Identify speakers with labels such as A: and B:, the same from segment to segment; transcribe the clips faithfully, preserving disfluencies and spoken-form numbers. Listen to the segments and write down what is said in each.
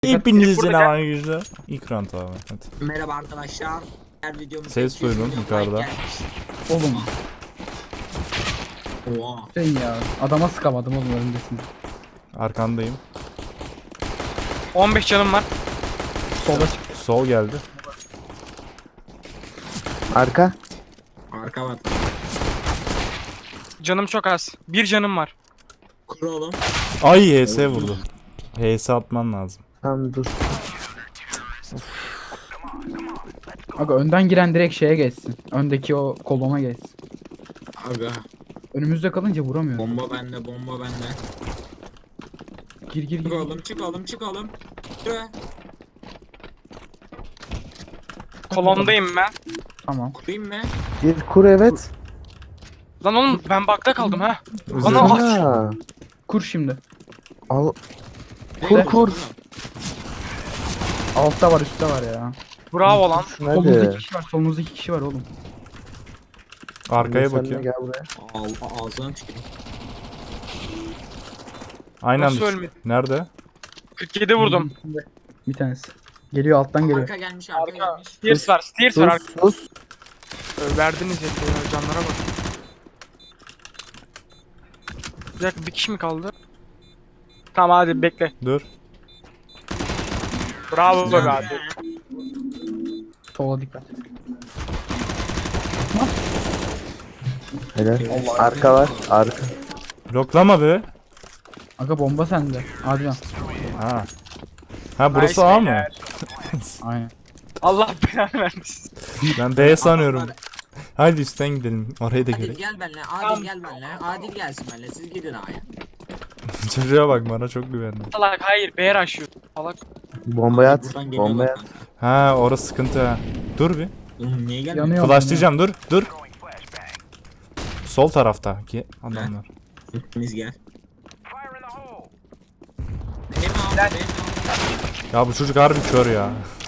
A: Hepinizin arkadaşlar. İlk round abi. Hadi.
B: Merhaba arkadaşlar. Her videomuz
A: Ses duydum yukarıda.
C: Oğlum
B: Oha.
C: şey ya adama sıkamadım oğlum önündesin.
A: Arkandayım.
D: on beş canım var.
C: Sola çık.
A: Sol geldi.
E: Arka.
B: Arka var.
D: Canım çok az. Bir canım var.
B: Kur oğlum.
A: Ay H S vurdu. H S atman lazım.
E: Tamam dur.
C: Aga önden giren direkt şeye geçsin. Öndeki o kolona geçsin.
B: Aga.
C: Önümüzde kalınca vuramıyor.
B: Bomba bende, bomba bende.
C: Gir gir
B: Çık
C: gir.
B: oğlum, çık oğlum, çık oğlum. Şuraya.
D: Kolondayım ben.
C: Tamam.
B: Kurayım mı?
E: Bir kur evet.
D: Lan oğlum ben bakta kaldım ha. Ana aç.
E: Ha.
C: Kur şimdi.
E: Al.
B: Kur
E: kur.
C: Altta var üstte var ya.
D: Bravo lan.
C: Solumuzda iki
E: Hadi.
C: kişi var. Solumuzda iki kişi var oğlum.
A: Arkaya
E: Sen de
A: bakıyorum.
E: Gel buraya.
B: Al, ağzına tüküreyim.
A: Aynen.
D: Nasıl
A: düş-
D: ölmedi?
A: Nerede?
D: kırk yedi vurdum.
C: Bir tanesi. Geliyor alttan geliyor.
B: Arka gelmiş, arka,
D: Arka.
B: gelmiş.
D: Steers var. Steers var.
E: Sus sus.
D: Arka. Verdiniz ya canlara bak. Bir dakika bir kişi mi kaldı? Tamam hadi bekle.
A: Dur.
D: Bravo be abi.
C: Sola dikkat.
E: Helal. Arka var. Arka.
A: Bloklama be.
C: Aga bomba sende. Adrian.
A: Ha. Ha burası
D: Nice
A: A mı?
D: beyler.
C: Aynen.
D: Allah belanı vermesin.
A: Ben B sanıyorum. Hadi üstten gidelim. Orayı da
B: Adil
A: görelim.
B: gel benimle, Adil gel benimle. Adil gelsin benimle, siz gidin A'ya.
A: Çocuğa bak bana çok güvendi.
D: Salak hayır beğer aşıyor. Salak.
E: Bombayı at.
B: Buradan geliyorlar
E: Bombayı at.
B: kanka.
A: Ha orası sıkıntı ha. Dur bir.
B: Oğlum niye gelmiyor?
C: Yanıyor.
A: Flashlayacağım dur dur. Sol tarafta ki adamlar.
B: Hepiniz gel. Benim ağam, benim ağam.
A: Ya bu çocuk harbi kör ya.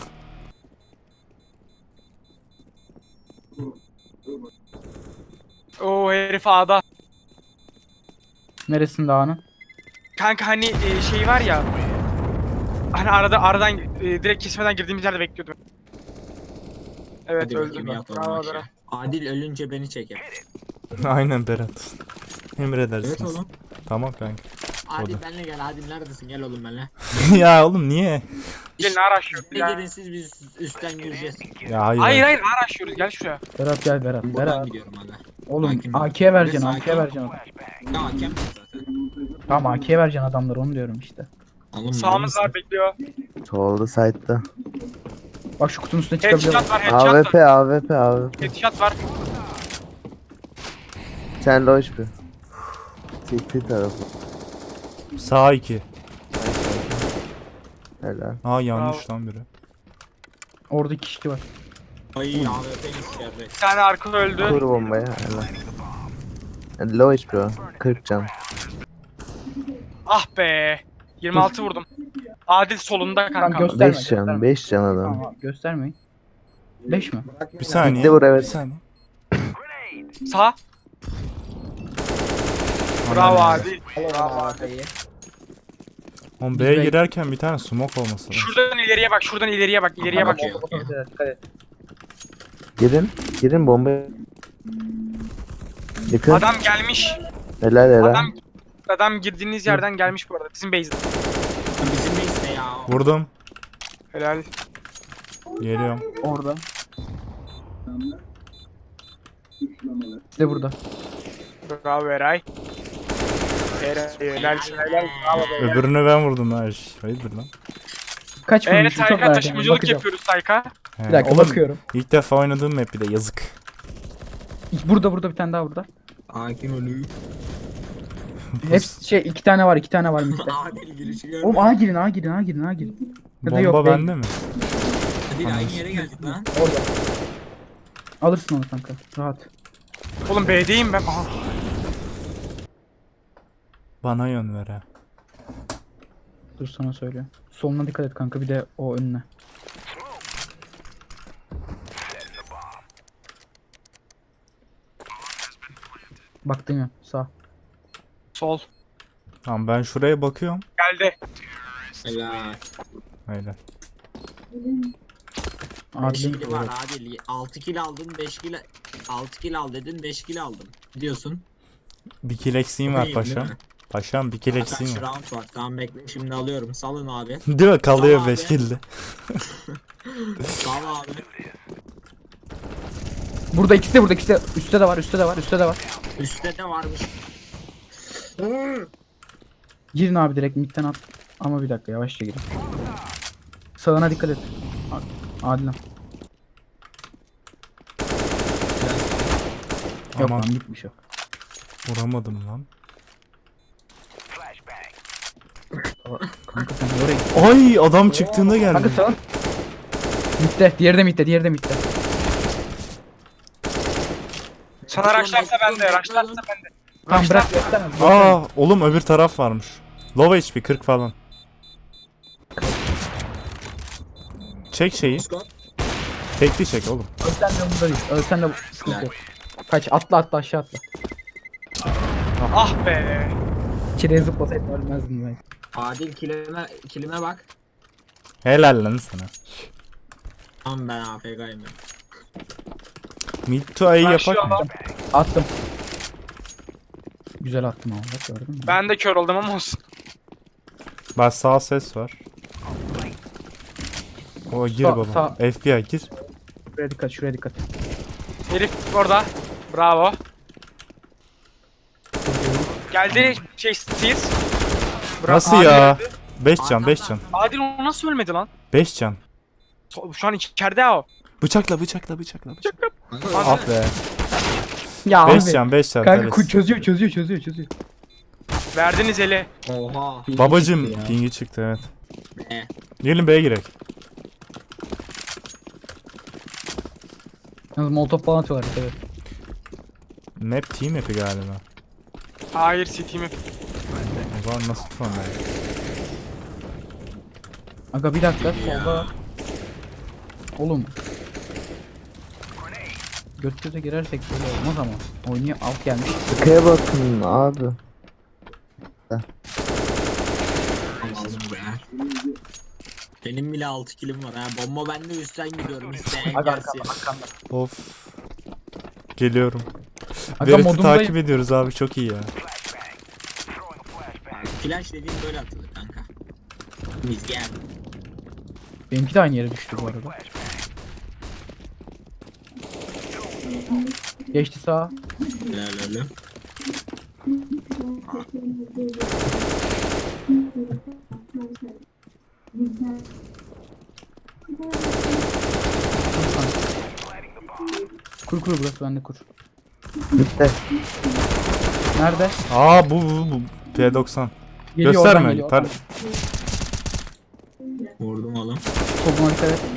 D: Oo herif A'da.
C: Neresinde ağanın?
D: Kanka hani e, şey var ya. Hani arada aradan e, direkt kesmeden girdiğimiz yerde bekliyordum. Evet
B: Hadi
D: öldüm.
B: bakayım
D: ben.
B: yatalım
D: Bravo
B: aşağı.
D: Berat.
B: Adil ölünce beni çeker.
A: Aynen Berat. Emredersiniz.
B: Evet oğlum.
A: Tamam kanka.
B: Adil
A: Oldu.
B: benimle gel, Adil neredesin? Gel oğlum benimle.
A: Ya oğlum niye?
D: Gelin araşıyoruz
B: Ne
D: ya.
B: gelin siz, biz üstten gireceğiz.
A: Ya hayır.
D: Hayır hayır araşıyoruz gel şuraya.
C: Berat gel Berat.
B: Buradan
C: Berat.
B: gidiyorum aga.
C: Oğlum
B: Hakim.
C: A K'ye vereceksin.
B: Burası
C: A K'ye
B: hakim.
C: vereceksin.
B: Ya hakem zaten.
C: Tamam A K'ye vereceksin adamları onu diyorum işte.
B: Oğlum,
D: Sağımız
B: mal
D: var
B: mısın?
D: bekliyor.
E: Solda side'da.
C: Bak şu kutunun üstüne çıkabiliyor.
D: Headshot var headshot
E: AWP
D: var.
E: AWP AWP.
D: Headshot var.
E: Sen loş bir. Çekti tarafı.
A: Sağ iki.
E: Helal.
A: Aa yanlış lan biri.
C: Orada iki kişi var.
B: Ay A W P içeride.
D: Bir tane arka öldü.
E: Kur bombayı. Helal. Low H P o. kırk can.
D: Ah be. yirmi altı vurdum. Adil solunda
C: Tamam,
D: kanka.
C: gösterme,
E: beş can.
C: gösterme.
E: beş can adam.
C: Tamam göstermeyin. beş mi?
A: Bir saniye.
E: Gitti vur, evet.
A: Bir saniye.
D: Sağ. Bravo Adil.
B: Bravo Adil.
A: Oğlum
C: Biz
A: B'ye
C: bek-
A: girerken bir tane smoke olması lazım.
D: Şuradan ileriye bak, şuradan ileriye bak, ileriye bak.
B: Okey, okey.
C: Dikkat et.
E: Girin. Girin bombayı. Yıkın.
D: Adam gelmiş.
E: Helal helal.
D: Adam adam girdiğiniz yerden gelmiş bu arada. Bizim base'de.
B: Bizim neyse ya.
A: Vurdum.
D: Helal.
A: Geliyorum.
C: Orada. İşte burada.
D: Bravo Eray. Eray helalsin helal. Bravo be.
A: Öbürünü ben vurdum ha. Şş, Hayırdır lan?
C: Kaç
D: Evet
C: vurmuşum çok
D: Tayka
C: merak ediyorum.
D: taşımacılık
C: Bakacağım.
D: yapıyoruz Tayka.
A: He,
C: Bir dakika
A: oğlum,
C: bakıyorum.
A: İlk defa oynadığım map bir de yazık.
C: Burada burada bir tane daha burada.
B: Hakim ölü.
C: Hepsi şey iki tane var iki tane var midde.
B: Adil girişi gördüm.
C: Oğlum A girin A girin A girin A girin. Ya da
A: Bomba
C: yok, değil.
A: bende mi?
B: Adil aynı yere geldik lan.
C: Orada. Alırsın onu kanka. Rahat.
D: Oğlum B'deyim ben. Aha.
A: Bana yön ver ha.
C: Dur sana söylüyorum. Soluna dikkat et kanka bir de o önüne. Baktın ya sağ.
D: Sol.
A: Tamam ben şuraya bakıyorum.
D: Geldi.
B: Helal.
A: Aynen.
B: beş
C: Adil'in
B: kili var Adil. altı kill aldın, beş kill altı kill al dedin, beş kill aldım. Diyorsun.
A: Bir kill eksiğim var
B: İyiyim, değil
A: paşam.
B: mi?
A: Paşam bir kill
B: Kaç
A: eksiğim var.
B: round var? Tamam bekle şimdi alıyorum. Salın abi.
A: Değil mi? Kalıyor
B: Tamam
A: beş
B: abi.
A: kill'de.
B: Sal abi.
C: Burada ikisi de burada ikisi de. Üstte de var üstte de var üstte de var.
B: Üstte de varmış.
C: Girin abi direkt midden at. Ama bir dakika yavaşça girin. Sağına dikkat et. Adil'im. Yok
A: Aman
C: lan gitmiş o.
A: vuramadım lan.
C: Kanka sen oraya git.
A: Ay adam çıktığında
C: Kanka
A: geldi.
C: sağ. Midde. Diğeri de midde. Diğeri de midde.
D: Sana rushlarsa bende, rushlarsa bende.
C: Tamam
D: Rushlar-
C: bırak gösterme.
A: Aa oğlum öbür taraf varmış. Low H P kırk falan. Çek şeyi.
B: Scott.
A: Tekli çek oğlum.
C: Ölsen de bunda değil. Ölsen de bu- sıkıntı yok. Kaç atla atla aşağı atla.
D: Ah be.
C: İçeriye zıplasaydın ölmezdin ben.
B: Adil kilime, kilime bak.
A: Helal lan sana.
B: Tamam ben A F K'yım ben.
A: Mid to A'yı
D: Ben şu
A: yapak mı?
D: an-
C: Attım. Güzel attım abi bak gördün mü?
D: Ben de kör oldum ama olsun.
A: Bak sağ ses var. O gir
C: Sağ-
A: baba.
C: sağ.
A: F B I gir.
C: Şuraya dikkat şuraya dikkat.
D: Herif orada. Bravo. Geldi şey Steers. Bravo.
A: Nasıl
D: Adil
A: ya?
D: öldü.
A: beş can beş can.
D: Adil o nasıl ölmedi lan?
A: beş can.
D: So- Şu an içeride o.
A: Bıçakla bıçakla bıçakla. bıçakla.
B: Kanka,
A: Ah be.
C: Ya
A: beş
C: abi.
A: can beş can.
C: Kanka
A: evet.
C: ku- çözüyor çözüyor çözüyor çözüyor.
D: Verdiniz eli.
B: Oha.
A: Babacım
C: Ya.
A: pingi çıktı evet.
B: E.
A: Gelin B'ye girek.
C: Yalnız molotof falan atıyorlar evet.
A: Map team map'i galiba.
D: Hayır City mi?
A: O zaman nasıl tutan be?
C: Aga bir dakika solda. Oğlum. Göt göze girersek böyle olmaz ama. Oynuyor alt gelmiş.
E: Arkaya bakın abi.
B: Allah'ım be. Benim bile altı kilim var ha. Bomba bende üstten gidiyorum. İsteyen
C: Aga
B: gelsin.
C: arkanda arkanda.
A: Of. Geliyorum.
C: Aga
A: Verit'i
C: modundayım.
A: takip ediyoruz abi çok iyi ya.
B: Flash dediğim böyle atılır kanka. Biz gel.
C: Benimki de aynı yere düştü bu arada. Geçti sağa.
B: Helal öyle.
C: Kur kur burası bende kur.
E: Bitti.
C: Nerede?
A: Aa bu bu bu. P doksan.
C: Geliyor oradan
A: Gösterme.
C: geliyor.
A: Tar-
B: Vurdum oğlum.
C: Soluna dikkat et.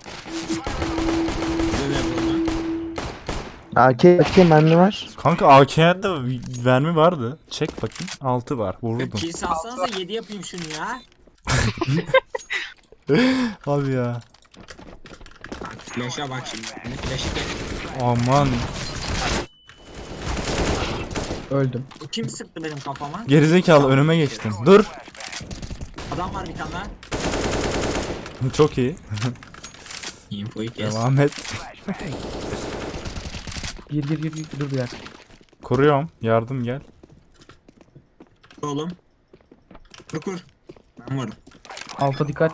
B: Böyle vurdum.
E: A K A K mermi var.
A: Kanka A K'de vermi vardı. Çek bakayım. altı var. Vurdum.
B: Kill salsanıza yedi yapayım şunu ya.
A: Abi ya.
B: Flash'a bak şimdi. Flash'ı geç.
A: Aman.
C: Öldüm.
B: Kim sıktı benim kafama?
A: Gerizekalı önüme geçtin. Dur.
B: Adam var bir tane daha.
A: Çok iyi.
B: Infoyu kes.
A: Devam et.
C: Gir gir gir gir. Dur bir dakika.
A: Kuruyorum. Yardım gel.
B: Oğlum. Kur kur. Ben varım.
C: Alta dikkat.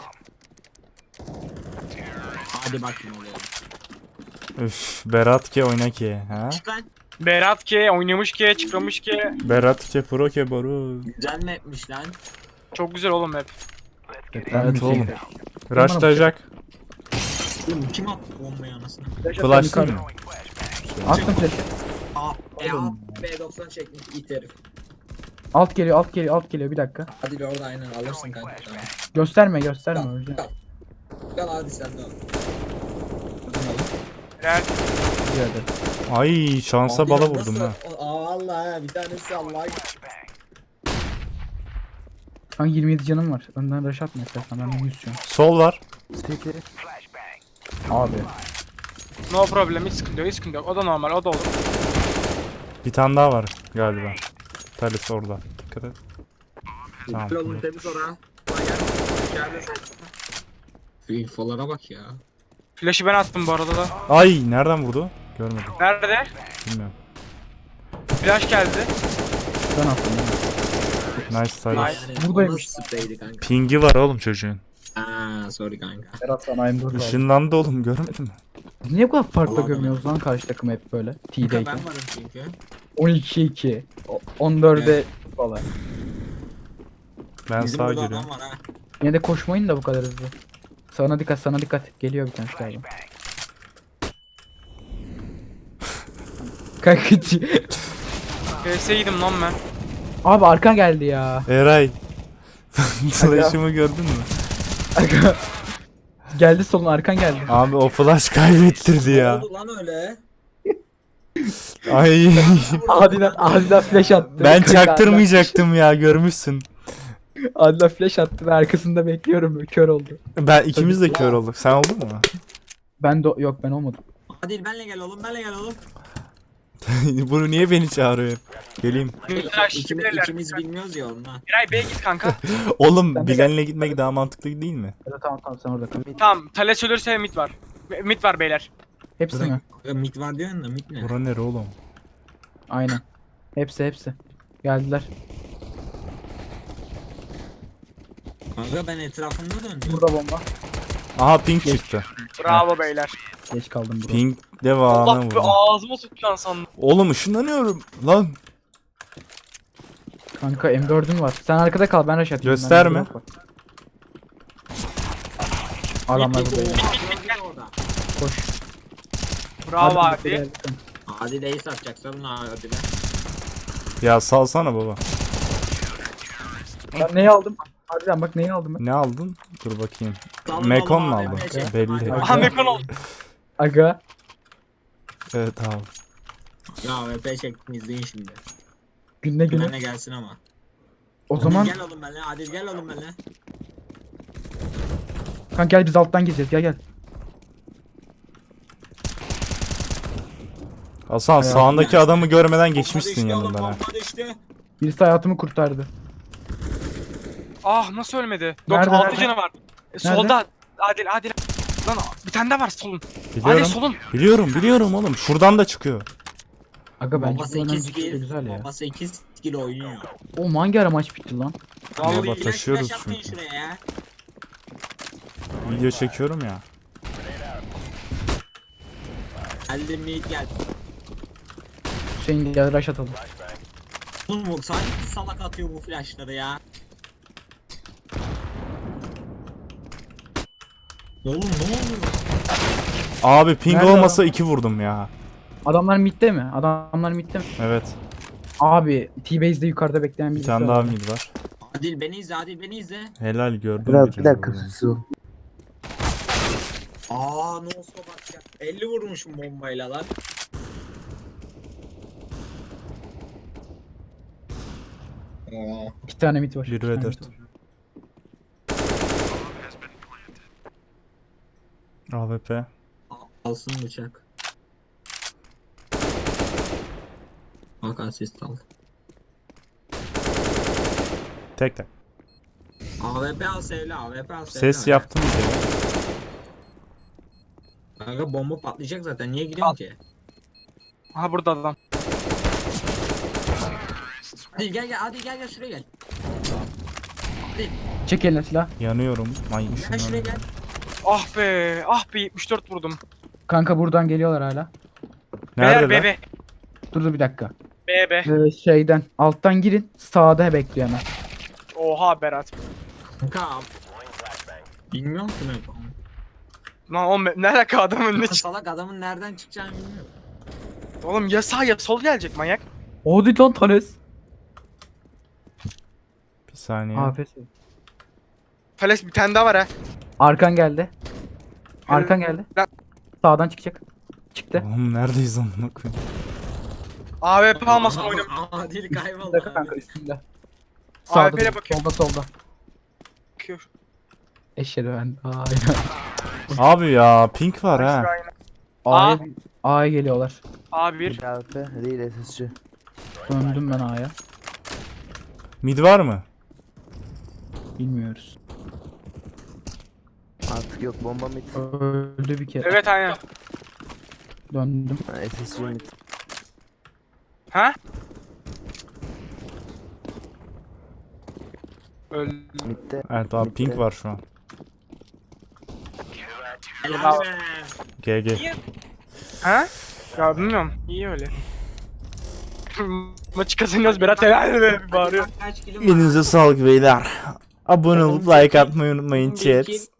B: Hadi bakayım oluyor.
A: Üf. Berat ke oyna ke. Ha?
B: Çık lan.
D: Berat ki oynamış ki çıkmış ki.
A: Berat ke pro ke boru.
B: Güzel mapmiş lan.
D: Çok güzel oğlum hep.
A: Evet oğlum. Rushlayacak.
B: Oğlum kim attı bombayı anasını?
A: Flash'lı mı?
C: Attım flash'ı.
B: Aa, e A, B doksan çekmiş it herif.
C: Alt geliyor alt geliyor alt geliyor bir dakika.
B: Hadi bir orada aynen alırsın kanka. Tamam.
C: Gösterme gösterme öleceğim.
B: Gel hadi sen de al.
D: Helal.
C: Bir hadi.
A: Ay şansa
B: Abi
A: bala
B: ya
A: vurdum
B: nasıl-
A: ha.
B: Aa vallahi ha, bir tanesi Allah'a
C: Kanka yirmi yedi canım var. Önden rush atma istersen ben de yüz can.
A: Sol var.
C: Abi.
D: No problem hiç sıkıntı yok hiç sıkıntı yok. O da normal o da olur.
A: Bir tane daha var galiba. Talis orada. Dikkat et. Tamam.
B: Oğlum temiz ora. Kolay gelsin. İçeride sen. Şu infolara bak ya.
D: Flash'ı ben attım bu arada da.
A: Ay nereden vurdu? Görmedim.
D: Nerede?
A: Bilmiyorum.
D: Flash geldi.
C: Ben attım.
A: Nice try.
D: Nice.
B: Yani
C: Buradaymış.
B: o nasıl spreydi kanka?
A: Pingi var oğlum çocuğun.
B: Aa sorry kanka.
C: Berat sana M dört var.
A: Işınlandı oğlum görmedin mi?
C: Biz niye bu kadar farklı
B: Vallahi
C: görmüyoruz lan karşı takım hep böyle?
B: Kanka
C: T'deyken.
B: ben varım çünkü.
C: on iki iki. o- on dörde falan.
A: Ben
B: Bizim
A: sağa
B: burada
A: giriyorum.
B: adam var ha.
C: Yine de koşmayın da bu kadar hızlı. Sana dikkat, sana dikkat. Geliyor bir tane galiba. Kankacı.
D: P S'ydim lan ben.
C: Abi arkan geldi ya.
A: Eray. Flash'ımı gördün mü?
C: Aga. Geldi solun, arkan geldi.
A: Abi o flash kaybettirdi
B: Ne
A: ya.
B: oldu lan öyle?
A: Ay
C: Adidan, Adidan flash attı.
A: ben
C: Kanka,
A: çaktırmayacaktım ya görmüşsün.
C: Adidan- Adidan flash attı ve arkasında bekliyorum. Kör oldu.
A: Ben ikimiz de kör olduk. Sen oldun mu?
C: Ben de yok, ben olmadım.
B: Adil benle gel oğlum benle gel oğlum.
A: Bunu niye beni çağırıyor hep? Geleyim.
D: Flash
B: İkimiz,
D: gelirler.
B: ikimiz bilmiyoruz ya onunla.
D: Eray B'ye git kanka.
A: Oğlum
C: Ben de-
A: Bilen'le gitmek daha mantıklı değil mi?
C: Ya da tamam tamam sen orada kal.
D: Tamam. Thales ölürse mid var. Mid var beyler.
C: Hepsi mi?
B: Ya mit var diyorsun da mit ne?
A: Bura nere oğlum?
C: Aynen. Hepsi hepsi. Geldiler.
B: Kanka ben etrafımda döndüm.
C: Burada bomba.
A: Aha ping çıktı.
D: Bravo beyler.
C: Geç kaldım burada.
A: Ping devamına
D: Allah be
A: vurdu.
D: ağzıma sıçan sandım.
A: Oğlum ışınlanıyorum lan.
C: Kanka M dörd'üm var. Sen arkada kal, ben rush atayım.
A: Gösterme.
C: Bende drop var. Adamlar
B: Mit,
C: burada.
B: mit, mit, mit, orada.
C: Koş.
D: Bravo
C: Hadi,
D: abi.
C: gel.
B: Adil ace atacak sorun Adil'e.
A: Ya salsana baba.
C: Ben neyi aldım? Harbiden bak neyi aldım ben.
A: Ne aldın? Dur bakayım.
B: Salın
A: Mekon
B: oğlum
A: mu
B: abi,
A: aldın?
B: ne şey-
A: Belli.
B: Hadi.
D: Aha Mekon oldu.
C: Aga.
A: Evet abi.
B: Ya V P çektim izleyin şimdi.
C: Günde güne.
B: Benle gelsin ama.
C: O
B: Adil
C: zaman
B: gel oğlum benle. Adil gel oğlum benle.
C: kanka gel biz alttan gireceğiz. Gel gel.
A: Hasan
C: Hayatım
A: sağındaki adamı görmeden
B: Bomba
A: geçmişsin
B: düştü oğlum,
A: yanından ha.
B: bomba düştü.
C: Birisi hayatımı kurtardı.
D: Ah nasıl ölmedi?
C: Nerede,
D: dokuz altı
C: nerede?
D: canı var. E, solda. Adil Adil. Lan bir tane daha var solun. Adil
A: Biliyorum.
D: solun.
A: Biliyorum biliyorum oğlum. Şuradan da çıkıyor.
C: Aga bence
B: Bomba
C: bu
B: sekiz
C: önemli
B: kill.
C: güzel ya.
B: Bomba sekiz kill oynuyor.
C: O hangi ara maç bitti lan?
A: Vallahi
B: Vallahi flash
A: taşıyoruz
B: flash atmayın
A: çünkü.
B: şuraya ya.
A: Video çekiyorum ya.
B: Geldim mid gel.
C: Hüseyin gel rush atalım.
B: Oğlum bu sanki salak atıyor bu flashları ya. Oğlum ne oluyor?
A: Abi ping
C: Nerede
A: olmasa iki vurdum ya.
C: Adamlar midde mi? Adamlar midde mi?
A: Evet.
C: Abi T-Base'de yukarıda bekleyen
A: Bir
C: birisi
A: tane daha
C: var.
A: mid var.
B: Adil beni izle Adil beni izle.
A: Helal gördüm.
E: Biraz
A: birini
E: bir dakika
A: vurdum.
E: su.
B: Aa no scope atacak. elli vurmuşum bombayla lan. Aa.
C: İki tane mid var.
A: Bir
C: iki
A: ve
C: tane
A: dört.
C: mid var.
A: A W P.
B: Alsın bıçak. Bak asist al.
A: Tek tek.
B: A W P al sevle A W P al sevle.
A: Ses yaptım bir kere.
B: Kanka bomba patlayacak zaten niye gidiyorsun ki?
D: Aha burada adam.
B: Hadi gel gel hadi gel gel şuraya gel. Hadi
C: Çek eline silah.
A: Yanıyorum. Ay
B: gel şuraya
A: ışınlanıyorum.
B: gel.
D: Ah be. Ah be yetmiş dört vurdum.
C: Kanka buradan geliyorlar hala.
A: Nerede
D: Beyler
A: lan?
D: B B.
C: Dur dur bir dakika.
D: B B.
C: Ee, şeyden alttan girin. Sağda bekliyor hemen.
D: Oha Berat.
B: Kanka. Bilmiyorum ki ne yapalım.
D: Lan oğlum ne alaka adamın önüne çık.
B: Salak adamın nereden çıkacağını bilmiyorum.
D: Oğlum ya sağ ya sol gelecek manyak.
C: Hadi lan Thales.
A: Bir saniye.
C: Afes.
D: Thales bir tane daha var ha.
C: Arkan geldi. Arkan geldi.
D: Lan
C: Sağdan çıkacak. Çıktı.
A: Oğlum neredeyiz amına koyayım?
D: A W P almasın
B: Aa,
D: oynam.
B: aa, Adil
C: Bir
B: kayboldu
C: dakika kanka
B: abi.
C: üstünde.
D: A
C: Sağda
D: W P'ye
C: dur,
D: bakıyorum.
C: solda solda.
D: Bakıyor.
C: Eşhedü ben. Aynen.
A: Abi ya pink var ha.
C: A'ya A'ya geliyorlar.
D: A bir.
E: Bir A W P değil S S C.
C: Döndüm ben A'ya.
A: Mid var mı?
C: Bilmiyoruz.
E: Artık yok bomba mid.
C: Öldü bir kere.
D: Evet aynen.
C: Döndüm.
E: Ha, S S G mid.
D: Ha? Öldü.
E: Mid'de.
A: Evet abi pink
E: Bitti.
A: var şu an.
B: Helal be.
A: G G.
D: Ha? Ya bilmiyorum. İyi öyle. Maçı kazanıyoruz Berat helal be bağırıyor.
B: Kaç kilim var?
A: Elinize sağlık beyler. Abone olup like atmayı unutmayın
B: Bir,
A: chat.
B: iki,